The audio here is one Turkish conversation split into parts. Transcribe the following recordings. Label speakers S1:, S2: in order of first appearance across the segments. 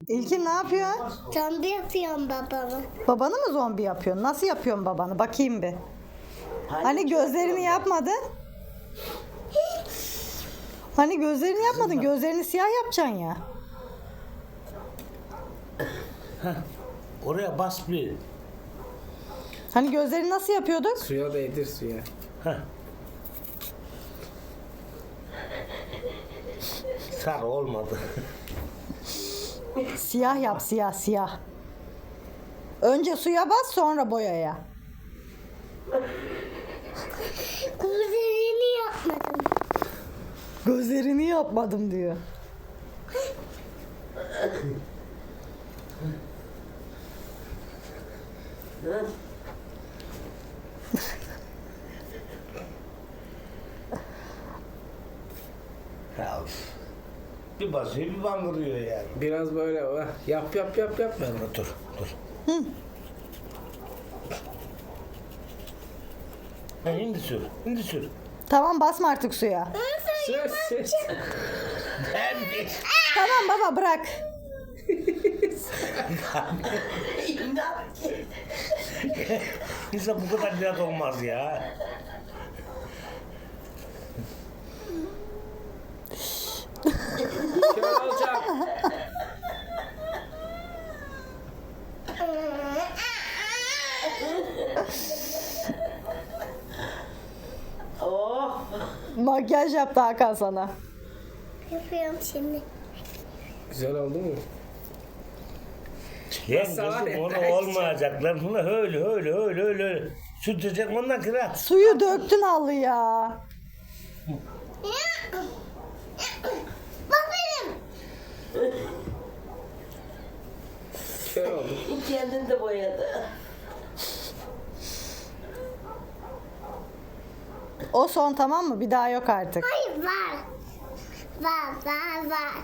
S1: İlkin ne yapıyor?
S2: Zombi yapıyorum babamı.
S1: Babanı mı zombi yapıyorsun? Nasıl yapıyorsun babanı? Bakayım bir. Hani gözlerini yapmadın? Hani gözlerini yapmadın? Gözlerini siyah yapacaksın ya.
S3: Oraya bas bir.
S1: Hani gözlerini nasıl yapıyorduk?
S4: Suya değdir suya.
S3: Heh. Sarı olmadı.
S1: Siyah yap, siyah siyah. Önce suya bas, sonra boyaya.
S2: Gözlerini yapmadım.
S1: Gözlerini yapmadım diyor.
S3: Ya, bir basıyor bir bangırıyor yani.
S4: Biraz böyle yap.
S3: Dur. Ha, şimdi sür.
S1: Tamam, basma artık suya.
S4: Sür.
S1: Tamam baba, bırak.
S3: İnsan bu kadar biraz olmaz ya.
S4: Kör olacak.
S5: Oh.
S1: Makyaj yaptı Hakan sana.
S2: Yapıyorum şimdi.
S4: Güzel oldu mu?
S3: Lan
S4: Nasıl var
S3: kızım
S4: ya,
S3: onu
S4: belki
S3: olmayacaklar. Bunu öyle. Sütecek ondan kırar.
S1: Suyu döktün halıya.
S2: Bak benim.
S4: Kör oldu.
S5: Kendini de boyadı.
S1: O son, tamam mı? Bir daha yok artık.
S2: Hayır var. Var.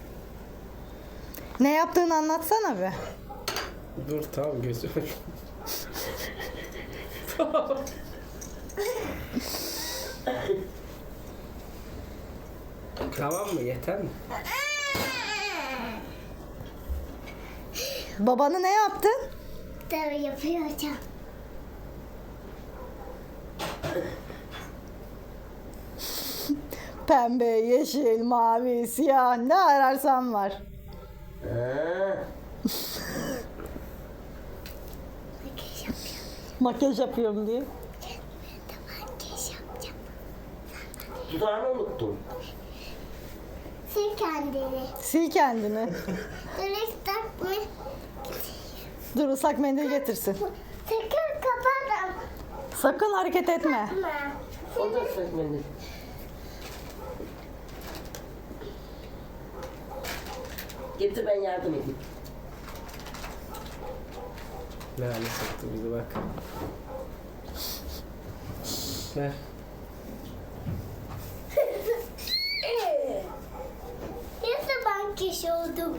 S1: Ne yaptığını anlatsana bir.
S4: Dur tamam gözüm. Tamam mı? Yeter mi?
S1: Babanı ne yaptın?
S2: Tabii yapıyorum.
S1: Pembe, yeşil, mavi, siyah, ne ararsan var. Makyaj yapıyorum diye.
S2: Makyaj yapacağım.
S5: Dudağını unuttum.
S2: Sil kendini.
S1: Sil kendini.
S2: Direkt takma.
S1: Dur, ıslak mendil getirsin.
S2: Sakın kapatma.
S1: Sakın hareket etme.
S5: O da sökmedi. Getir ben yardım edeyim.
S4: Ne hale soktu bizi bak. Ver.
S2: Ne makyaj oldu?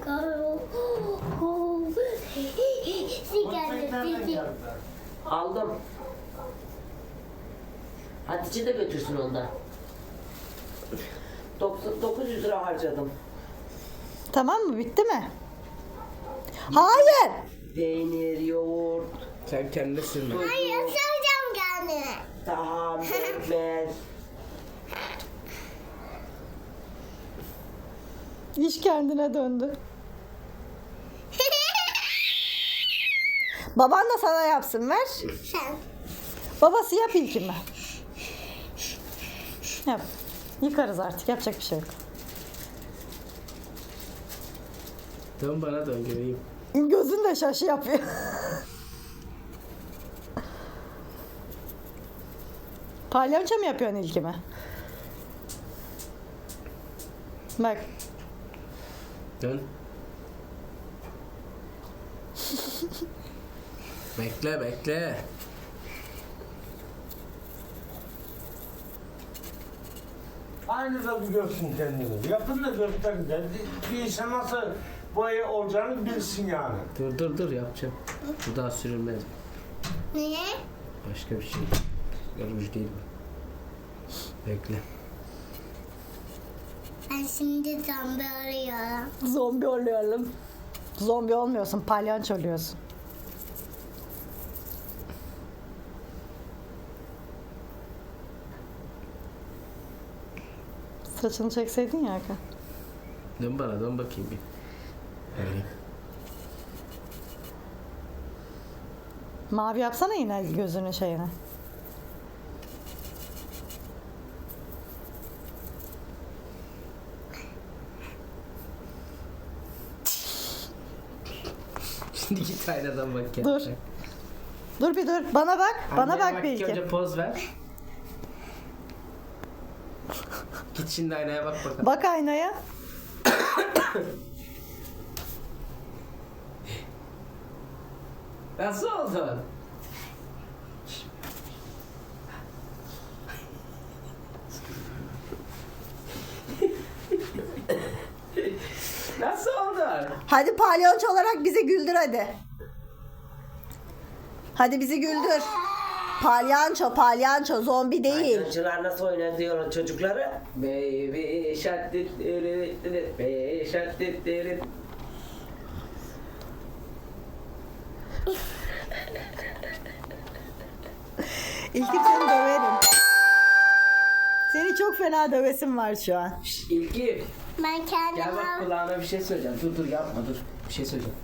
S2: Sil kendini.
S5: Aldım. Hatice de götürsün ondan. 900 lira harcadım.
S1: Tamam mı? Bitti mi? Hayır.
S5: Peynir, yoğurt,
S4: Sen kendine silme.
S2: Hayır, süreceğim kendini.
S5: tahan, pekmez.
S1: İş kendine döndü. Baban da sana yapsın, ver.
S2: Sen.
S1: Babası yap ilkimi. Yap. Yıkarız artık, yapacak bir şey yok.
S4: Dön bana dön göreyim.
S1: Gözün de şaşı yapıyor. Palyaço mu yapıyorsun ilkimi? Bak.
S4: Dön. Bekle.
S3: Aynı da bir görsün kendini. Yapın da göster de. Bir insan nasıl boya olacağını bilsin yani.
S4: Dur yapacağım. Bu daha sürülmez.
S2: Niye?
S4: Başka bir şey. Ruj değil bu. Bekle.
S2: Ben şimdi zombi arıyorum.
S1: Zombi oluyorum. Zombi olmuyorsun, palyaço oluyorsun. Saçını çekseydin ya Hakan.
S4: Dön bana, dön bakayım bir. Öyle.
S1: Mavi yapsana yine gözünün şeyine.
S4: Şimdi git aynadan bak ya.
S1: Dur. Dur bir dur. Bana bak. Bana
S4: Anneye
S1: bak bir iki.
S4: Önce poz ver. Git şimdi aynaya bak bakalım.
S1: Bak aynaya.
S4: Nasıl oldu? Nasıl oldu?
S1: Hadi palyaço olarak bizi güldür hadi. Hadi bizi güldür. Palyaço, palyaço, zombi değil.
S5: Oyuncular nasıl oynar diyor çocukları.
S4: Baby shark dit dit dit, baby shark dit dit.
S1: İlkim seni döverim. Seni çok fena dövesim var şu an.
S4: Şşt, İlki
S2: Ben
S4: gel bak
S2: kendime
S4: kulağına bir şey söyleyeceğim. Dur dur yapma dur. Bir şey söyleyeceğim.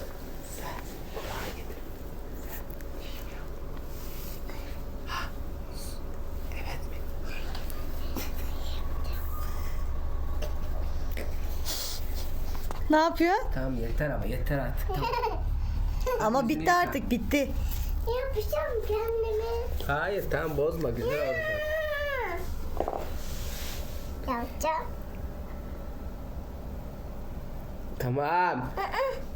S1: Ne yapıyor?
S4: Tamam yeter ama yeter artık. Tamam.
S1: Ama bitti artık, bitti.
S2: yapacağım kendime.
S4: Hayır tamam bozma güzel olacak.
S2: Yapacağım.
S4: Tamam.
S2: Aa,